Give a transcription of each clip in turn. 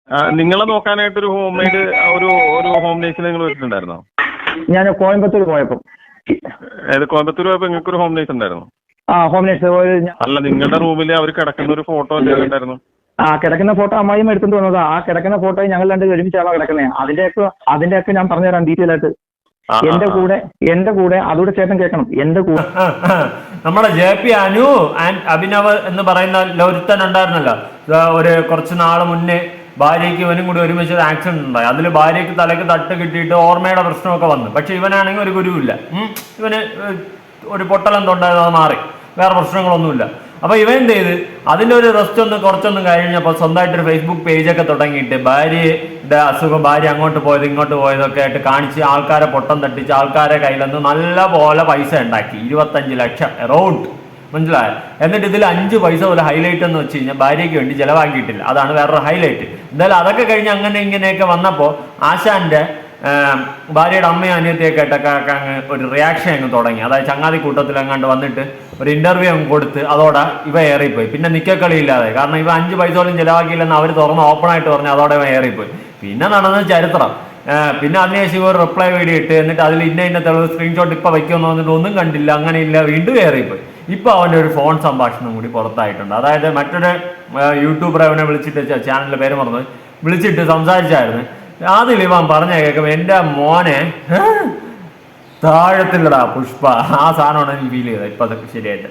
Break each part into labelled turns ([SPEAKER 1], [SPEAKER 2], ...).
[SPEAKER 1] നിങ്ങളെ നോക്കാനായിട്ടൊരു home maid ഒരു ഒരു ഹോം നേഴ്സിനെ നിങ്ങൾ വെച്ചിട്ടുണ്ടായിരുന്നോ?
[SPEAKER 2] ഞാൻ കോയമ്പത്തൂർ പോയപ്പോൾ.
[SPEAKER 1] കോയമ്പത്തൂർ പോയപ്പോൾ നിങ്ങൾക്ക് ഒരു ഹോം നേഴ്സ് ഉണ്ടായിരുന്നു?
[SPEAKER 2] Home nurse.
[SPEAKER 1] അല്ല, നിങ്ങളുടെ റൂമിൽ അവർ കിടക്കുന്ന ഒരു ഫോട്ടോ ഉണ്ടായിരുന്നു.
[SPEAKER 2] കിടക്കുന്ന ഫോട്ടോ അമ്മായിയും എടുത്തുകൊണ്ട് വന്നതാ. ആ കിടക്കുന്ന ഫോട്ടോ ഞങ്ങൾ രണ്ട് ഒരുമിച്ചാണോ കിടക്കുന്നത്? അതിന്റെയൊക്കെ ഞാൻ പറഞ്ഞുതരാം ഡീറ്റെയിൽ ആയിട്ട്. എന്റെ കൂടെ അതുകൂടെ ചേട്ടൻ കേൾക്കണം. എന്റെ കൂടെ
[SPEAKER 3] നമ്മുടെ JP അനു ആൻഡ് അഭിനവ് എന്ന് പറയുന്ന ഒരുത്തൻ ഉണ്ടായിരുന്നല്ലോ, ഒരു കുറച്ച് നാൾ മുന്നേ ഭാര്യയ്ക്ക് ഇവനും കൂടി ഒരുമിച്ച് ഒരു ആക്സിഡന്റ് ഉണ്ടായി. അതിൽ ഭാര്യയ്ക്ക് തലയ്ക്ക് തട്ട് കിട്ടിയിട്ട് ഓർമ്മയുടെ പ്രശ്നമൊക്കെ വന്നു. പക്ഷെ ഇവനാണെങ്കിൽ ഒരു ഗുരുവില്ല. ഇവന് ഒരു പൊട്ടലെന്തുണ്ടായത്, അത് മാറി, വേറെ പ്രശ്നങ്ങളൊന്നുമില്ല. അപ്പൊ ഇവൻ എന്ത് ചെയ്ത് അതിന്റെ ഒരു റെസ്റ്റ് കുറച്ചൊന്നും കഴിഞ്ഞപ്പോൾ സ്വന്തമായിട്ടൊരു ഫേസ്ബുക്ക് പേജൊക്കെ തുടങ്ങിയിട്ട് ഭാര്യയുടെ അസുഖം, ഭാര്യ അങ്ങോട്ട് പോയത് ഇങ്ങോട്ട് പോയതൊക്കെ ആയിട്ട് കാണിച്ച് ആൾക്കാരെ പൊട്ടം തട്ടിച്ച് ആൾക്കാരെ കയ്യിൽ നിന്ന് നല്ല പോലെ പൈസ ഉണ്ടാക്കി. 25 ലക്ഷം എറൗണ്ട്, മനസ്സിലായോ? എന്നിട്ട് ഇതിൽ 5 പൈസ പോലെ ഹൈലൈറ്റ് എന്ന് വെച്ച് കഴിഞ്ഞാൽ ഭാര്യയ്ക്ക് വേണ്ടി ചിലവാക്കിയിട്ടില്ല. അതാണ് വേറൊരു ഹൈലൈറ്റ്. എന്തായാലും അതൊക്കെ കഴിഞ്ഞ് അങ്ങനെ ഇങ്ങനെയൊക്കെ വന്നപ്പോൾ ആശാന്റെ ഭാര്യയുടെ അമ്മയും അനിയത്തിയൊക്കെ ആയിട്ടൊക്കെ അങ്ങ് ഒരു റിയാക്ഷൻ അങ്ങ് തുടങ്ങി. അതായത് ചങ്ങാതി കൂട്ടത്തിൽ അങ്ങാണ്ട് വന്നിട്ട് ഒരു ഇന്റർവ്യൂ അങ്ങ് കൊടുത്ത് അതോടെ ഇവ ഏറിപ്പോയി. പിന്നെ നിക്കക്കളി ഇല്ലാതെ, കാരണം ഇവ 5 പൈസ പോലും ചിലവാക്കിയില്ലെന്ന് അവർ തുറന്ന് ഓപ്പണായിട്ട് പറഞ്ഞു. അതോടെ ഇവ ഏറിപ്പോയി. പിന്നെ നടന്നത് ചരിത്രം. പിന്നെ അതിനുശേഷം ഒരു റിപ്ലൈ വീഡിയോ ഇട്ട് എന്നിട്ട് അതിൽ ഇന്ന തെളിവ് സ്ക്രീൻഷോട്ട് ഇപ്പൊ വയ്ക്കുമെന്ന് പറഞ്ഞിട്ട് ഒന്നും കണ്ടില്ല, അങ്ങനെ ഇല്ല, വീണ്ടും കയറിപ്പോയി. ഇപ്പൊ അവന്റെ ഒരു ഫോൺ സംഭാഷണം കൂടി പുറത്തായിട്ടുണ്ട്. അതായത് മറ്റൊരു യൂട്യൂബർ അവനെ വിളിച്ചിട്ട്, ചാനലിന്റെ പേര് മറന്ന്, വിളിച്ചിട്ട് സംസാരിച്ചായിരുന്നു. അതിൽ ഇവൻ പറഞ്ഞ കേൾക്കുമ്പോ എന്റെ മോനെ താഴത്തില്ലടാ പുഷ്പ, ആ സാധനമാണ് എനിക്ക് ഫീൽ ചെയ്തത് ഇപ്പൊ അതൊക്കെ ശരിയായിട്ട്.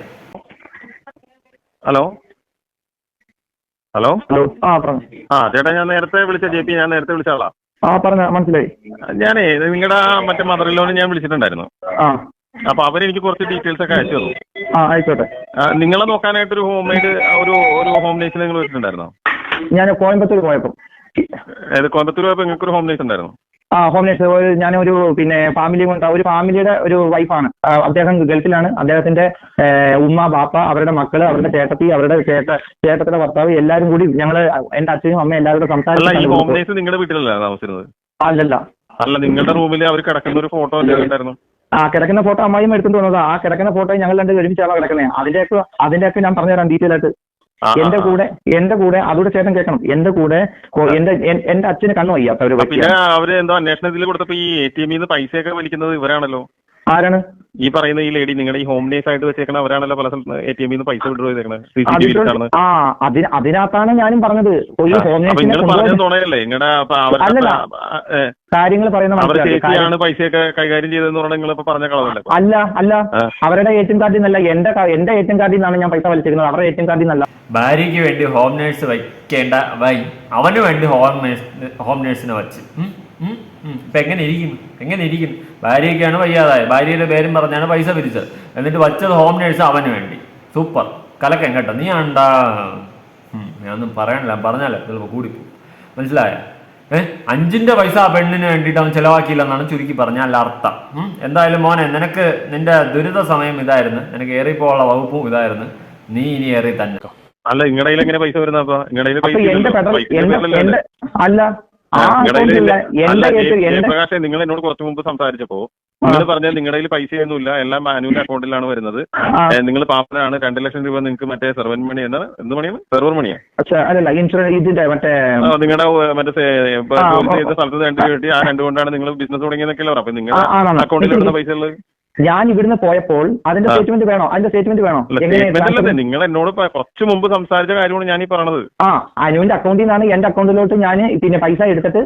[SPEAKER 1] ഹലോ ഹലോ
[SPEAKER 2] ചേട്ടാ,
[SPEAKER 1] ഞാൻ നേരത്തെ വിളിച്ച JP, ഞാൻ നേരത്തെ വിളിച്ച ആളാ.
[SPEAKER 2] പറഞ്ഞ മനസ്സിലായി.
[SPEAKER 1] ഞാനേ നിങ്ങളുടെ മറ്റേ മദറിലോന് ഞാൻ വിളിച്ചിട്ടുണ്ടായിരുന്നു. അപ്പൊ അവരെനിക്ക് കുറച്ച് ഡീറ്റെയിൽസ് ഒക്കെ അയച്ചു തന്നു.
[SPEAKER 2] ആയിക്കോട്ടെ.
[SPEAKER 1] നിങ്ങളെ നോക്കാനായിട്ടൊരു ഹോം മെയ്ഡ് ഒരു ഹോം നേഴ്സിനെ നിങ്ങൾ വെച്ചിട്ടുണ്ടായിരുന്നോ?
[SPEAKER 2] ഞാൻ കോയമ്പത്തൂർ പോയപ്പോൾ.
[SPEAKER 1] കോയമ്പത്തൂർ പോയപ്പോൾ നിങ്ങൾക്ക് ഒരു ഹോം നേഴ്സ് ഉണ്ടായിരുന്നു?
[SPEAKER 2] Home nurse. ഞാനൊരു ഫാമിലി കൊണ്ട്, ഒരു ഫാമിലിയുടെ ഒരു വൈഫാണ്. അദ്ദേഹം ഗൾഫിലാണ്. അദ്ദേഹത്തിന്റെ ഉമ്മ, ബാപ്പ, അവരുടെ മക്കള്, അവരുടെ ചേട്ടത്തി, അവരുടെ ചേട്ടത്തിന്റെ ഭർത്താവ്, എല്ലാവരും കൂടി ഞങ്ങള്, എന്റെ അച്ഛനും അമ്മയും എല്ലാവരും കൂടെ സംസാരിച്ചു.
[SPEAKER 1] ഈ ഹോം നേഴ്സ് നിങ്ങളുടെ വീട്ടിലല്ല താമസിച്ചിരുന്നത്? അല്ല, നിങ്ങളുടെ റൂമിൽ അവർ കിടക്കുന്ന ഒരു ഫോട്ടോ ഉണ്ടായിരുന്നു.
[SPEAKER 2] കിടക്കുന്ന ഫോട്ടോ അമ്മായിയും എടുത്തുകൊണ്ട് വന്നതാ. ആ കിടക്കുന്ന ഫോട്ടോ ഞങ്ങൾ രണ്ട് ഒരുമിച്ചാണോ കിടക്കുന്നത്? അതിന്റെയൊക്കെ ഞാൻ പറഞ്ഞുതരാം ഡീറ്റെയിൽ ആയിട്ട്. എന്റെ കൂടെ അതുകൂടെ ചേട്ടൻ കേൾക്കണം. എന്റെ കൂടെ എന്റെ അച്ഛന് കണ്ണു വയ്യാത്ത ഒരു
[SPEAKER 1] പിന്നെ അവര് എന്തോ അന്വേഷണത്തിൽ കൊടുത്തപ്പോ ഈ ATM ന്ന് പൈസയൊക്കെ വലിക്കുന്നത് ഇവരാണല്ലോ.
[SPEAKER 2] ആരാണ്
[SPEAKER 1] ഈ പറയുന്ന ഈ ലേഡി? നിങ്ങളുടെ ഈ ഹോം നേഴ്സ് ആയിട്ട് വെച്ചേക്കണ അവരാണല്ലോ പല സ്ഥലത്ത് ATM ന്ന് പൈസ വിഡ്രോ ചെയ്തേക്കണത്.
[SPEAKER 2] അതിനകത്താണ് ഞാനും പറഞ്ഞത്.
[SPEAKER 1] തോന്നയല്ലേ നിങ്ങളുടെ
[SPEAKER 2] കാര്യങ്ങൾ
[SPEAKER 1] പറയുന്ന പൈസയൊക്കെ കൈകാര്യം ചെയ്തെന്ന് പറഞ്ഞാൽ നിങ്ങൾ ഇപ്പൊ പറഞ്ഞ കളവല്ലേ?
[SPEAKER 2] അല്ല, അവരുടെ ATM കാർഡിൽ നിന്നല്ല, എന്റെ ATM കാർഡിൽ നിന്നാണ് ഞാൻ പൈസ വലിച്ചിരിക്കുന്നത്. അവരുടെ ATM കാർഡിൽ നിന്നല്ല.
[SPEAKER 3] ഭാര്യയ്ക്ക് വേണ്ടി ഹോം നേഴ്സ് വയ്ക്കേണ്ട അവന് വേണ്ടി ഹോം നേഴ്സിനെ വച്ച് ഇപ്പൊ എങ്ങനെ ഇരിക്കുന്നു? ഭാര്യയ്ക്കാണ് വയ്യാതായത്, ഭാര്യയുടെ പേരും പറഞ്ഞാണ് പൈസ പിരിച്ചത്, എന്നിട്ട് വച്ചത് ഹോം നേഴ്സ് അവന് വേണ്ടി. സൂപ്പർ, കലക്കൻ കേട്ടോ. നീ ആണ്ടാ, ഞാനൊന്നും പറയണില്ല, പറഞ്ഞാലേ ചിലപ്പോൾ കൂടിപ്പോ, മനസ്സിലായ? 5ന്റെ പൈസ ആ പെണ്ണിന് വേണ്ടിയിട്ട് അവൻ ചിലവാക്കിയില്ലെന്നാണ് ചുരുക്കി പറഞ്ഞാൽ അർത്ഥം. എന്തായാലും മോനെ, നിനക്ക് നിന്റെ ദുരിത സമയം ഇതായിരുന്നു, നിനക്ക് ഏറിപ്പോള്ള വകുപ്പും ഇതായിരുന്നു. നീ ഇനി ഏറി തന്നെ.
[SPEAKER 1] അല്ല, നിങ്ങളുടെ എങ്ങനെ പൈസ വരുന്ന? പ്രകാശ്, നിങ്ങൾ എന്നോട് കുറച്ചു മുമ്പ് സംസാരിച്ചപ്പോ നിങ്ങൾ പറഞ്ഞാൽ നിങ്ങളുടെ പൈസയൊന്നുമില്ല, എല്ലാം മാനുവൽ അക്കൗണ്ടിലാണ് വരുന്നത്, നിങ്ങൾ പാപ്പനാണ്, 2 ലക്ഷം രൂപ നിങ്ങൾക്ക് മറ്റേ സെർവൻ മണി എന്നാണ്, എന്ത് മണിയാണ്? സെർവർ മണിയാണ് നിങ്ങളുടെ മറ്റേ ചെയ്ത സ്ഥലത്ത് 2 കിട്ടി. ആ 2 കൊണ്ടാണ് നിങ്ങൾ ബിസിനസ് തുടങ്ങിയെന്നൊക്കെയല്ലോ. അപ്പൊ നിങ്ങളുടെ അക്കൗണ്ടിൽ വരുന്ന പൈസ ഉള്ളത്
[SPEAKER 2] ഞാൻ ഇവിടുന്ന് പോയപ്പോൾ അതിന്റെ സ്റ്റേറ്റ്മെന്റ് വേണോ? നിങ്ങൾ
[SPEAKER 1] എന്നോട് കുറച്ച് മുമ്പ് സംസാരിച്ച കാര്യമാണ് ഞാൻ ഈ പറഞ്ഞത്.
[SPEAKER 2] അനുവിന്റെ അക്കൗണ്ടിൽ നിന്നാണ് എന്റെ അക്കൗണ്ടിലോട്ട് ഞാൻ പൈസ എടുത്തിട്ട്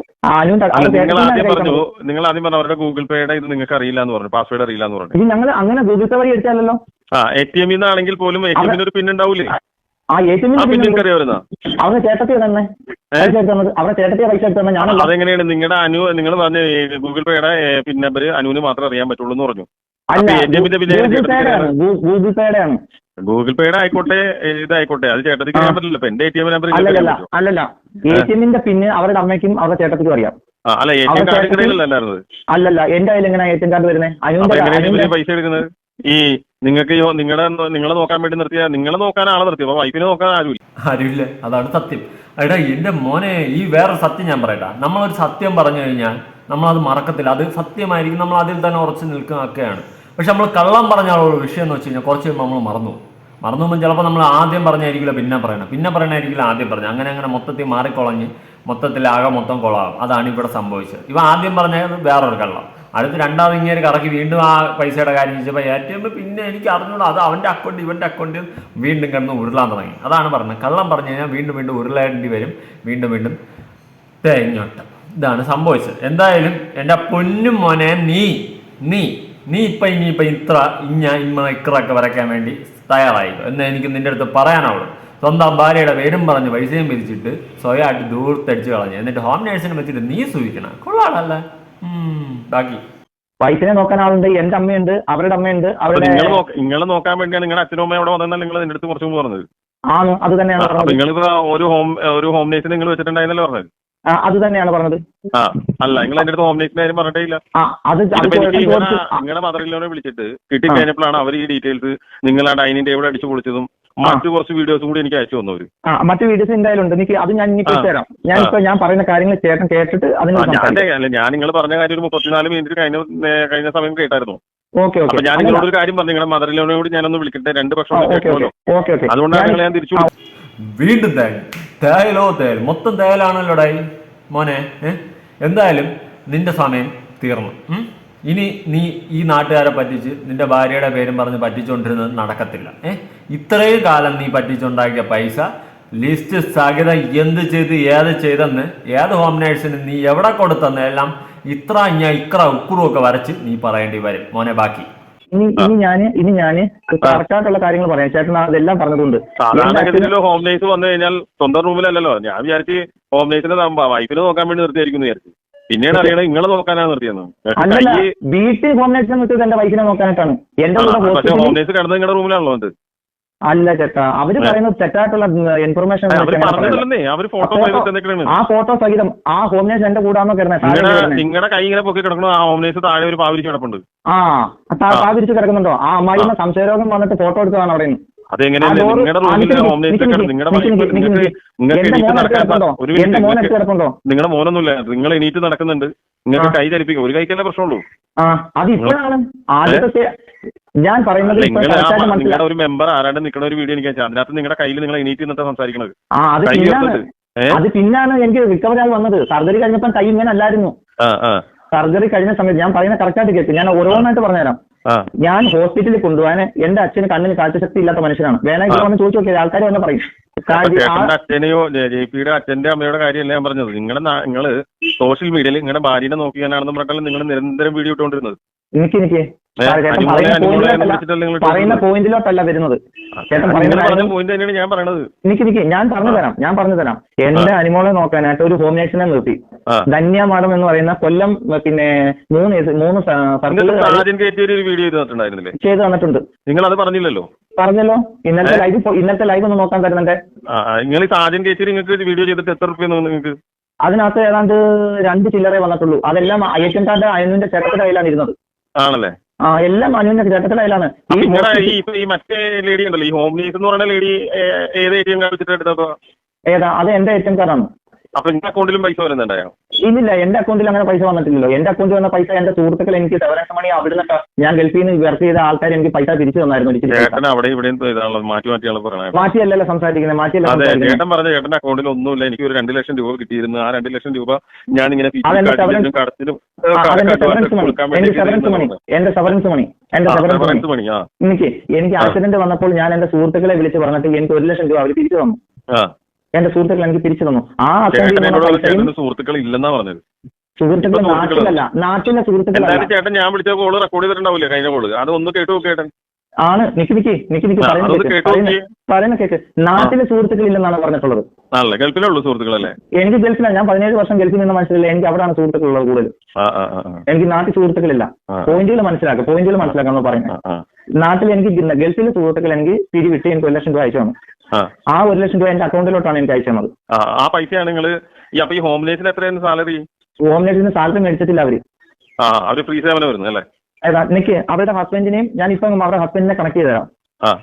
[SPEAKER 1] നിങ്ങൾ ആദ്യം പറഞ്ഞു അവരുടെ ഗൂഗിൾ പേയുടെ ഇത് നിങ്ങൾക്ക് അറിയില്ല എന്ന് പറഞ്ഞു, പാസ്വേഡ് അറിയില്ല എന്ന് പറഞ്ഞു.
[SPEAKER 2] ഞങ്ങൾ അങ്ങനെ ഗൂഗിൾ പേ വഴി എടുത്താലല്ലോ.
[SPEAKER 1] ATM ആണെങ്കിൽ പോലും ATM ഒരു പിൻ ഉണ്ടാവൂലേ?
[SPEAKER 2] അവരുടെ ചേട്ടത്തിയ തന്നെ അവരുടെ ചേട്ടത്തിയ പൈസ എടുത്തു തന്നെ. ഞാൻ
[SPEAKER 1] അതെങ്ങനെയാണ് നിങ്ങളുടെ നിങ്ങൾ പറഞ്ഞ ഗൂഗിൾ പേയുടെ പിൻ നമ്പർ അനുവിന് മാത്രമേ അറിയാൻ പറ്റുള്ളൂ എന്ന് പറഞ്ഞു.
[SPEAKER 2] ഗൂഗിൾ പേയുടെ ആണ്.
[SPEAKER 1] ഗൂഗിൾ പേയുടെ ആയിക്കോട്ടെ, ഇതായിക്കോട്ടെ, അത് ചേട്ടത്തിക്ക് അറിയാൻ പറ്റില്ല. ഇപ്പൊ എന്റെ ATM നമ്പർ
[SPEAKER 2] അല്ലല്ല, ATM പിന്നെ അവരുടെ അമ്മയ്ക്കും അവരുടെ ചേട്ടത്തിക്കും അറിയാം.
[SPEAKER 1] അല്ല, ATM കാർഡ്
[SPEAKER 2] അല്ലല്ല, എന്റെ കയ്യിൽ എങ്ങനെ ATM കാർഡ് വരുന്നത്?
[SPEAKER 1] പൈസ എടുക്കുന്നത് ഈ നിങ്ങൾക്ക് നിങ്ങളെ നോക്കാൻ വേണ്ടി നിർത്തിയ, നിങ്ങളെ നോക്കാൻ ആളെ നിർത്തി, അപ്പൊ വൈഫിനെ നോക്കാൻ
[SPEAKER 3] ആരുമില്ല. അതാണ് സത്യം. എടാ എന്റെ മോനെ, ഈ വേറെ സത്യം ഞാൻ പറയട്ടാ. നമ്മളൊരു സത്യം പറഞ്ഞു കഴിഞ്ഞാൽ നമ്മളത് മറക്കത്തില്ല, അത് സത്യമായിരിക്കും, നമ്മൾ അതിൽ തന്നെ ഉറച്ചു നിൽക്കുന്നതൊക്കെയാണ്. പക്ഷെ നമ്മൾ കള്ളം പറഞ്ഞാലുള്ള വിഷയം എന്ന് വെച്ച് കഴിഞ്ഞാൽ കുറച്ച് കഴിയുമ്പോൾ നമ്മൾ മറന്നു പോകുമ്പോൾ ചിലപ്പോൾ നമ്മൾ ആദ്യം പറഞ്ഞായിരിക്കില്ല പിന്നെ പറയണമായിരിക്കില്ല ആദ്യം പറഞ്ഞു, അങ്ങനെ മൊത്തത്തിൽ മാറിക്കൊളഞ്ഞ് മൊത്തത്തിൽ ആകെ മൊത്തം കൊളാകും. അതാണ് ഇവിടെ സംഭവിച്ചത്. ഇവ ആദ്യം പറഞ്ഞത് വേറൊരു കള്ളം, അടുത്ത് രണ്ടാമത് ഇങ്ങനെ കറക്കി വീണ്ടും ആ പൈസയുടെ കാര്യം ചോദിച്ചപ്പോൾ ATM പിന്നെ എനിക്ക് അറിഞ്ഞൂടാ, അത് അവൻ്റെ അക്കൗണ്ട് ഇവൻ്റെ അക്കൗണ്ട് വീണ്ടും കിടന്ന് ഉരുളാൻ തുടങ്ങി. അതാണ് പറഞ്ഞത്, കള്ളം പറഞ്ഞു കഴിഞ്ഞാൽ വീണ്ടും വീണ്ടും ഉരുളേണ്ടി വരും, വീണ്ടും വീണ്ടും തേങ്ങോട്ടം. ഇതാണ് സംഭവിച്ചത്. എന്തായാലും എൻ്റെ പൊന്നും മോനെ, നീ ഇനിയിപ്പോൾ ഇക്രൊക്കെ വരയ്ക്കാൻ വേണ്ടി തയ്യാറായിക്കോ എന്ന് എനിക്ക് നിൻ്റെ അടുത്ത് പറയാനാവുള്ളൂ. സ്വന്തം ഭാര്യയുടെ പേരും പറഞ്ഞ് പൈസയും പിരിച്ചിട്ട് സ്വയമായിട്ട് ദൂരത്തടിച്ച് കളഞ്ഞു, എന്നിട്ട് ഹോം നേഴ്സിനെ വെച്ചിട്ട് നീ സൂചിക്കണം. കൊള്ളാടല്ലേ. ബാക്കി
[SPEAKER 2] വൈഫിനെ നോക്കാൻ ആളുണ്ട്, എന്റെ അമ്മയുണ്ട്, അവരുടെ അമ്മയുണ്ട്.
[SPEAKER 1] നിങ്ങളെ നോക്കാൻ വേണ്ടിയാണ് നിങ്ങളുടെ അച്ഛനും അമ്മയും അവിടെ വന്നാൽ നിങ്ങൾ നിന്റെ അടുത്ത് കുറച്ചും പറഞ്ഞത്.
[SPEAKER 2] ആണ്, അത് തന്നെയാണ്.
[SPEAKER 1] നിങ്ങളിപ്പോ ഒരു ഹോം നേഴ്സിനെ നിങ്ങൾ വെച്ചിട്ടുണ്ടായിരുന്നല്ലോ പറഞ്ഞത്.
[SPEAKER 2] അത് തന്നെയാണ് പറഞ്ഞത്.
[SPEAKER 1] അല്ല, നിങ്ങൾ എന്റെ അടുത്ത് ഹോം നേഴ്സിന്റെ കാര്യം പറഞ്ഞിട്ടേ ഇല്ല. നിങ്ങളുടെ മദറിനെ വിളിച്ചിട്ട് കിട്ടിക്കഴിഞ്ഞപ്പോഴാണ് അവർ ഈ ഡീറ്റെയിൽസ് നിങ്ങൾ ആ ഡൈനിങ് ടേബിൾ അടിച്ചു പൊളിച്ചതും മറ്റു കുറച്ച് വീഡിയോസും കൂടി എനിക്ക് അയച്ചു തന്നവര്.
[SPEAKER 2] മറ്റു വീഡിയോസ് എന്തായാലും ഉണ്ട്, എനിക്ക് അത് ഞാൻ ഇനി തരാം. ഞാൻ പറയുന്ന കാര്യങ്ങൾ ചേട്ടൻ കേട്ടിട്ട്
[SPEAKER 1] ഞാൻ നിങ്ങൾ പറഞ്ഞ കാര്യം ഒരു 34 മിനിറ്റ് കഴിഞ്ഞ സമയം കേട്ടായിരുന്നു.
[SPEAKER 2] Okay okay.
[SPEAKER 1] ഞാൻ നിങ്ങളോട് ഒരു കാര്യം പറഞ്ഞു, നിങ്ങളുടെ മദറിനെ കൂടി ഞാനൊന്ന് വിളിക്കട്ടെ, 2 പക്ഷം കേൾക്കുമല്ലോ. അതുകൊണ്ടാണ് നിങ്ങളെ ഞാൻ തിരിച്ചു
[SPEAKER 3] വീണ്ടും തേയലോ മൊത്തം തേയലാണല്ലോടായി മോനെ. എന്തായാലും നിന്റെ സമയം തീർന്നു. ഇനി നീ ഈ നാട്ടുകാരെ പറ്റിച്ച് നിന്റെ ഭാര്യയുടെ പേരും പറഞ്ഞ് പറ്റിച്ചുകൊണ്ടിരുന്നത് നടക്കത്തില്ല. ഇത്രയും കാലം നീ പറ്റിച്ചുണ്ടാക്കിയ പൈസ ലിസ്റ്റ് സഹിതം എന്ത് ചെയ്ത് ഏത് ചെയ്തെന്ന് ഏത് ഹോം നേഴ്സിന് നീ എവിടെ കൊടുത്തെന്ന് എല്ലാം ഇക്ര ഉക്കുറുമൊക്കെ വരച്ച് നീ പറയേണ്ടി വരും മോനെ. ബാക്കി
[SPEAKER 2] ഇനി ഞാന് കറക്റ്റായിട്ടുള്ള കാര്യങ്ങൾ പറയാം. ചേട്ടൻ അതെല്ലാം പറഞ്ഞതുകൊണ്ട്
[SPEAKER 1] സാധാരണഗതിയിലോ ഹോം നേഴ്സ് വന്നു കഴിഞ്ഞാൽ സ്വന്തം റൂമിലല്ലോ. ഞാൻ വിചാരിച്ച് ഹോം നേഴ്സിനെ വൈഫിനെ നോക്കാൻ വേണ്ടി നിർത്തിയായിരിക്കും വിചാരിച്ചു. പിന്നീട് അറിയണത് നിങ്ങളെ നോക്കാനാണ് നിർത്തിയെന്ന്.
[SPEAKER 2] വീട്ടിൽ ഹോം നേഴ്സിനെ നിർത്തിയത് എന്റെ വൈഫിനെ നോക്കാനായിട്ടാണ്.
[SPEAKER 1] പക്ഷേ ഹോം നേഴ്സ് കിടന്നത് നിങ്ങളുടെ റൂമിലാണല്ലോ അത്.
[SPEAKER 2] അല്ല ചേട്ടാ, അവര് പറയുന്നത് തെറ്റായിട്ടുള്ള ഇൻഫർമേഷൻ. ആ ഫോട്ടോ സഹിതം ആ ഹോം നേഴ്സ് എന്റെ കൂടാന്നോ കിടന്നത്.
[SPEAKER 1] നിങ്ങളുടെ കൈ ഇങ്ങനെ പൊക്കി കിടക്കണോ, ആ ഹോം നേഴ്സ് താഴെ ഒരു പാവിരിച്ച് കിടപ്പുണ്ട്.
[SPEAKER 2] പാവിരിച്ച് കിടക്കുന്നുണ്ടോ? ആ അമ്മായിമ്മ സംശയരോഗം വന്നിട്ട് ഫോട്ടോ എടുത്തതാണ് അവിടെ നിന്ന്.
[SPEAKER 1] അതെങ്ങനെയാണ് നിങ്ങളുടെ റൂമിൽ ഹോം നേഴ്സ് നിങ്ങളുടെ മോനൊന്നുമില്ല, നിങ്ങൾ എണീറ്റ് നടക്കുന്നുണ്ട്, നിങ്ങൾക്ക് കൈ ചലിപ്പിക്കും. ഒരു കൈക്കല്ലേ പ്രശ്നമുള്ളൂ.
[SPEAKER 2] അതിപ്പോഴാണ് ആദ്യത്തെ ഞാൻ പറയുന്നത്.
[SPEAKER 1] നിങ്ങളുടെ ഒരു മെമ്പർ ആരാണ്ട് നിൽക്കുന്ന ഒരു വീഡിയോ എനിക്ക് അയച്ചാൽ അതിനകത്ത് നിങ്ങളുടെ കയ്യിൽ നിങ്ങൾ എണീറ്റ് നിന്നിട്ട് സംസാരിക്കുന്നത്.
[SPEAKER 2] അത് പിന്നാണ് എനിക്ക് റിക്കവറി ആയി വന്നത്. സർജറി കഴിഞ്ഞപ്പോൾ കൈ ഇങ്ങനെ അല്ലായിരുന്നു. സർജറി കഴിഞ്ഞ സമയത്ത് ഞാൻ പറയുന്നത് കറക്റ്റായിട്ട് കേൾക്കും. ഞാൻ ഓരോന്നായിട്ട് പറഞ്ഞുതരാം. ഞാൻ ഹോസ്പിറ്റലിൽ കൊണ്ടുപോകാൻ എന്റെ അച്ഛന് കണ്ണിന് കാഴ്ചശക്തി ഇല്ലാത്ത മനുഷ്യനാണ്. വേണമെങ്കിൽ വന്ന് ചോദിച്ചു നോക്കിയാൽ ആൾക്കാർ വന്ന് പറയും.
[SPEAKER 1] അച്ഛനെയോ JP-യുടെ അച്ഛന്റെ അമ്മയുടെ കാര്യമല്ല ഞാൻ പറഞ്ഞത്. നിങ്ങള് സോഷ്യൽ മീഡിയയിൽ നിങ്ങളുടെ ഭാര്യനെ നോക്കിയാണെന്ന് പറഞ്ഞാൽ നിങ്ങൾ നിരന്തരം വീഡിയോ ഇട്ടുകൊണ്ടിരുന്നത്.
[SPEAKER 2] എനിക്ക് പറയുന്ന പോയിന്റിലോട്ടല്ല വരുന്നത്. ഞാൻ പറഞ്ഞു തരാം. എന്റെ അനിമോളെ നോക്കാനായിട്ട് ഒരു ഹോം നേഴ്സിനെ നിർത്തി. ധന്യ മാഡം എന്ന് പറയുന്ന കൊല്ലം പിന്നെ 3 ചെയ്ത് തന്നിട്ടുണ്ട്.
[SPEAKER 1] നിങ്ങൾ അത് പറഞ്ഞില്ലല്ലോ.
[SPEAKER 2] പറഞ്ഞല്ലോ. ഇന്നത്തെ ലൈവ് ഒന്ന് നോക്കാൻ തരുന്നുണ്ട്.
[SPEAKER 1] നിങ്ങൾ സാജൻ കേച്ചേരി നിങ്ങൾക്ക് വീഡിയോ ചെയ്തിട്ട് എത്ര റുപ്യ നിങ്ങൾക്ക്?
[SPEAKER 2] അതിനകത്ത് ഏതാണ്ട് 2 ചില്ലറേ വന്നിട്ടുള്ളൂ. അതെല്ലാം ATM കാർഡ് അനുവിന്റെ ചേട്ടത്തിന്റെ കയ്യിലാണ് ഇരുന്നത്.
[SPEAKER 1] ആണല്ലേ?
[SPEAKER 2] എല്ലാം അനുവിന്റെ ചേട്ടത്തിന്റെ കയ്യിലാണ്.
[SPEAKER 1] ഈ മറ്റേ ലേഡി ഉണ്ടല്ലോ, ഈ ഹോം നേഴ്സ് എന്ന് പറയുന്ന ലേഡി ഏത് ATM കാർഡ് വെച്ചിട്ട് എടുത്തപ്പോ?
[SPEAKER 2] ഏതാ? അത് എന്റെ ATM കാർഡാണ്.
[SPEAKER 1] അപ്പൊ എന്റെ അക്കൗണ്ടിലും പൈസ വരുന്നുണ്ടായോ?
[SPEAKER 2] ഇല്ല, എന്റെ അക്കൗണ്ടിൽ അങ്ങനെ പൈസ വന്നിട്ടില്ലല്ലോ. എന്റെ അക്കൗണ്ടിൽ വന്ന പൈസ എന്റെ സുഹൃത്തുക്കൾ എനിക്ക് സെവറൻസ് മണി അവിടുന്ന് ഞാൻ ഗൾഫിൽ നിന്ന് വർക്ക് ചെയ്ത ആൾക്കാർ എനിക്ക് പൈസ തിരിച്ചു തന്നായിരുന്നു. മാറ്റിയല്ലല്ലോ സംസാരിക്കുന്നത്.
[SPEAKER 1] ചേട്ടൻ പറഞ്ഞ ചേട്ടന്റെ അക്കൗണ്ടിൽ ഒന്നുമില്ല, എനിക്ക് ഒരു 2 ലക്ഷം രൂപ കിട്ടിയിരുന്നു. ആ 2 ലക്ഷം രൂപ ഞാൻ ഇങ്ങനെ
[SPEAKER 2] എന്റെ സെവറൻസ് മണി എനിക്ക് ആക്സിഡന്റ് വന്നപ്പോൾ ഞാൻ എന്റെ സുഹൃത്തുക്കളെ വിളിച്ച് പറഞ്ഞിട്ട് എനിക്ക് 1 ലക്ഷം രൂപ അവർ തിരിച്ചു തന്നു. എന്റെ സുഹൃത്തുക്കൾ എനിക്ക് തിരിച്ചു തന്നു. ആ
[SPEAKER 1] സുഹൃത്തുക്കൾ ഇല്ലെന്നാ പറഞ്ഞത്.
[SPEAKER 2] സുഹൃത്തുക്കൾ നാട്ടിലെ സുഹൃത്തുക്കൾ.
[SPEAKER 1] ചേട്ടൻ ഞാൻ വിളിച്ച കോള് റെക്കോർഡ് ചെയ്തിട്ടുണ്ടാവില്ലേ കഴിഞ്ഞ കോള്? അത് ഒന്ന് കേട്ടു കേട്ടൻ.
[SPEAKER 2] ആണ് പറയുന്ന കേക്ക്. നാട്ടിലെ സുഹൃത്തുക്കൾ ഇല്ലെന്നാണ് പറഞ്ഞിട്ടുള്ളത്.
[SPEAKER 1] ഗൾഫിലുള്ള സുഹൃത്തുക്കളല്ലേ?
[SPEAKER 2] എനിക്ക് ഗൾഫിലാണ്. ഞാൻ 17 വർഷം ഗൾഫിൽ നിന്ന് മനസ്സിലില്ല. എനിക്ക് അവിടെയാണ് സുഹൃത്തുക്കളുള്ളത് കൂടുതൽ. എനിക്ക് നാട്ടിൽ സുഹൃത്തുക്കളില്ല. പോയിന്റുകൾ മനസ്സിലാക്കാന്ന് പറയുന്നത്. നാട്ടിൽ എനിക്ക് ഗൾഫിലെ സുഹൃത്തുക്കൾ എനിക്ക് പിരിവിട്ട് എനിക്ക് 1 ലക്ഷം രൂപ അയച്ചു തന്നു. ആ 1 ലക്ഷം രൂപ എന്റെ അക്കൗണ്ടിലോട്ടാണ് എനിക്ക് അയച്ചു തന്നത്.
[SPEAKER 1] ആ പൈസയാണ് നിങ്ങൾ ഈ ഹോം നേഴ്സിന് എത്രയാണ് സാലറി?
[SPEAKER 2] ഹോം നേഴ്സിന് സാലറി മേടിച്ചിട്ടില്ല അവര്
[SPEAKER 1] ഫ്രീ സേവനം വരുന്നത് അല്ലേ?
[SPEAKER 2] എനിക്ക് അവരുടെ ഹസ്ബൻഡിനെയും ഞാൻ ഇപ്പൊ അവരുടെ ഹസ്ബൻഡിനെ കണക്ട് ചെയ്ത് തരാം.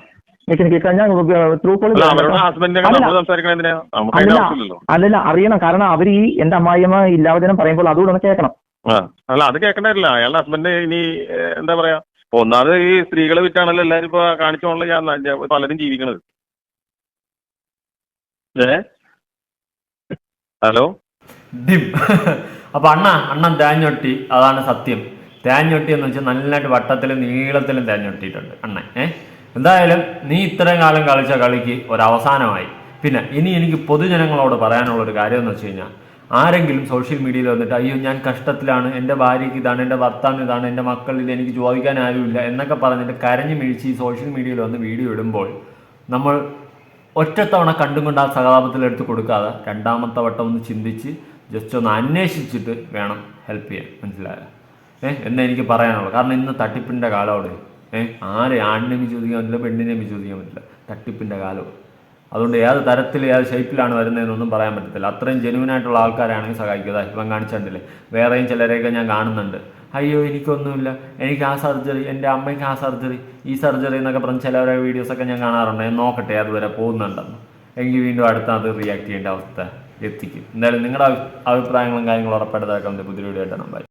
[SPEAKER 2] അല്ലല്ല, അറിയണം. കാരണം അവർ ഈ എന്റെ അമ്മായിയമ്മ ഇല്ലാവചനം പറയുമ്പോൾ അതുകൂടെ ഒന്ന് കേൾക്കണം.
[SPEAKER 1] അല്ല, അത് കേൾക്കണ്ടില്ല. അയാളുടെ ഹസ്ബൻഡ് ഇനി എന്താ പറയാ, ഒന്നാമത് ഈ സ്ത്രീകളെ വിറ്റാണല്ലോ എല്ലാരും ഇപ്പൊ കാണിച്ചോളൂ പലരും ജീവിക്കണത്. Hello
[SPEAKER 3] dim. അപ്പൊ അണ്ണൻ തേഞ്ഞൊട്ടി, അതാണ് സത്യം. തേഞ്ഞൊട്ടി എന്ന് വെച്ചാൽ നല്ലതായിട്ട് വട്ടത്തിലും നീളത്തിലും തേഞ്ഞൊട്ടിയിട്ടുണ്ട് അണ്ണൻ. എന്തായാലും നീ ഇത്രയും കാലം കളിച്ച കളിക്ക് ഒരവസാനമായി. പിന്നെ ഇനി എനിക്ക് പൊതുജനങ്ങളോട് പറയാനുള്ളൊരു കാര്യം എന്ന് വെച്ച് കഴിഞ്ഞാൽ, ആരെങ്കിലും സോഷ്യൽ മീഡിയയിൽ വന്നിട്ട് അയ്യോ ഞാൻ കഷ്ടത്തിലാണ്, എൻ്റെ ഭാര്യയ്ക്ക് ഇതാണ്, എൻ്റെ ഭർത്താവിന് ഇതാണ്, എൻ്റെ മക്കളിൽ എനിക്ക് ചോദിക്കാൻ ആരുമില്ല എന്നൊക്കെ പറഞ്ഞിട്ട് കരഞ്ഞു മിഴിച്ച് ഈ സോഷ്യൽ മീഡിയയിൽ വന്ന് വീഡിയോ ഇടുമ്പോൾ നമ്മൾ ഒറ്റത്തവണ കണ്ടും കൊണ്ട് ആ സഹതാപത്തിലെടുത്ത് കൊടുക്കാതെ രണ്ടാമത്തെ വട്ടം ഒന്ന് ചിന്തിച്ച് ജസ്റ്റ് ഒന്ന് അന്വേഷിച്ചിട്ട് വേണം ഹെൽപ്പ് ചെയ്യാൻ. മനസ്സിലായോ? എന്ന് എനിക്ക് പറയാനുള്ളൂ. കാരണം ഇന്ന് തട്ടിപ്പിൻ്റെ കാലമാണ്. ആരെ ആണിനെ വിശ്വസിക്കാൻ പറ്റില്ല, പെണ്ണിനെ വിശ്വസിക്കാൻ പറ്റില്ല. തട്ടിപ്പിൻ്റെ കാലമാണ്. അതുകൊണ്ട് ഏത് തരത്തിൽ ഏത് ഷേപ്പിലാണ് വരുന്നതെന്നൊന്നും പറയാൻ പറ്റത്തില്ല. അത്രയും ജെനുവിനായിട്ടുള്ള ആൾക്കാരാണെങ്കിൽ സഹായിക്കുക. ഇപ്പം കാണിച്ചിട്ടില്ലേ, വേറെയും ചിലരെയൊക്കെ ഞാൻ കാണുന്നുണ്ട്. അയ്യോ എനിക്കൊന്നുമില്ല, എനിക്ക് ആ സർജറി, എൻ്റെ അമ്മയ്ക്ക് ആ സർജറി, ഈ സർജറി എന്നൊക്കെ പറഞ്ഞ് ചിലവരെ വീഡിയോസൊക്കെ ഞാൻ കാണാറുണ്ട്. ഞാൻ നോക്കട്ടെ അതുവരെ പോകുന്നുണ്ടെന്ന്. എനിക്ക് വീണ്ടും അടുത്ത അത് റിയാക്ട് ചെയ്യേണ്ട അവസ്ഥ എത്തിക്കും. എന്തായാലും നിങ്ങളുടെ അഭിപ്രായങ്ങളും കാര്യങ്ങളും ഉറപ്പായിട്ട് പുതിയ വീഡിയോ ആയിട്ടാണ്. ബൈ.